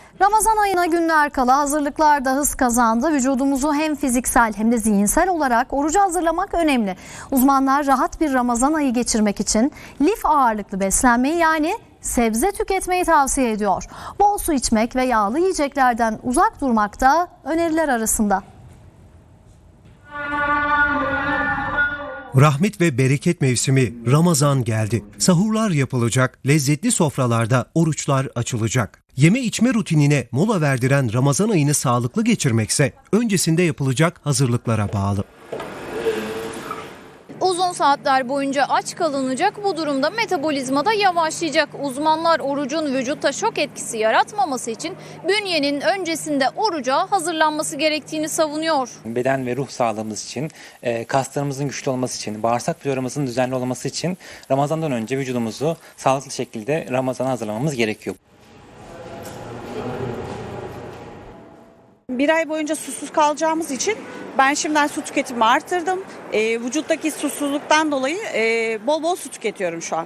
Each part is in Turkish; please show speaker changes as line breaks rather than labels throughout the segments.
Ramazan ayına günler kala hazırlıklar da hız kazandı. Vücudumuzu hem fiziksel hem de zihinsel olarak oruca hazırlamak önemli. Uzmanlar rahat bir Ramazan ayı geçirmek için lif ağırlıklı beslenmeyi yani sebze tüketmeyi tavsiye ediyor. Bol su içmek ve yağlı yiyeceklerden uzak durmak da öneriler arasında.
Rahmet ve bereket mevsimi Ramazan geldi. Sahurlar yapılacak, lezzetli sofralarda oruçlar açılacak. Yeme içme rutinine mola verdiren Ramazan ayını sağlıklı geçirmekse öncesinde yapılacak hazırlıklara bağlı.
Uzun saatler boyunca aç kalınacak, bu durumda metabolizma da yavaşlayacak. Uzmanlar orucun vücutta şok etkisi yaratmaması için bünyenin öncesinde oruca hazırlanması gerektiğini savunuyor.
Beden ve ruh sağlığımız için, kaslarımızın güçlü olması için, bağırsak floramızın düzenli olması için Ramazan'dan önce vücudumuzu sağlıklı şekilde Ramazan'a hazırlamamız gerekiyor.
Bir ay boyunca susuz kalacağımız için ben şimdiden su tüketimimi arttırdım. Vücuttaki susuzluktan dolayı bol bol su tüketiyorum şu an.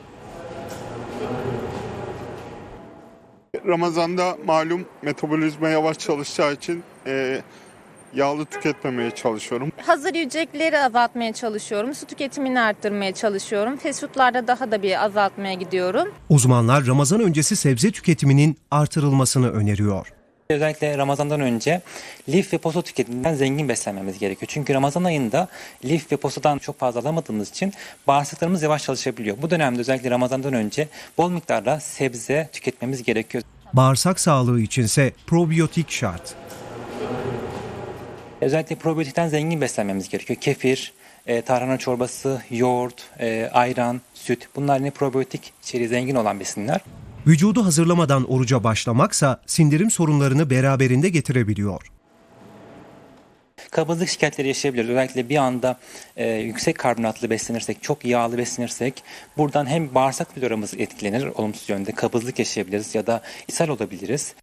Ramazan'da malum metabolizma yavaş çalışacağı için yağlı tüketmemeye çalışıyorum.
Hazır yiyecekleri azaltmaya çalışıyorum. Su tüketimini arttırmaya çalışıyorum. Fast food'larda daha da bir azaltmaya gidiyorum.
Uzmanlar Ramazan öncesi sebze tüketiminin artırılmasını öneriyor.
Özellikle Ramazan'dan önce lif ve posta tüketiminden zengin beslenmemiz gerekiyor. Çünkü Ramazan ayında lif ve postadan çok fazla alamadığımız için bağırsaklarımız yavaş çalışabiliyor. Bu dönemde özellikle Ramazan'dan önce bol miktarda sebze tüketmemiz gerekiyor.
Bağırsak sağlığı içinse probiyotik şart.
Özellikle probiyotikten zengin beslenmemiz gerekiyor. Kefir, tarhana çorbası, yoğurt, ayran, süt, bunlar yine probiyotik içeriği zengin olan besinler.
Vücudu hazırlamadan oruca başlamaksa sindirim sorunlarını beraberinde getirebiliyor.
Kabızlık şikayetleri yaşayabiliriz. Özellikle bir anda yüksek karbonatlı beslenirsek, çok yağlı beslenirsek buradan hem bağırsak floramız etkilenir olumsuz yönde, kabızlık yaşayabiliriz ya da ishal olabiliriz.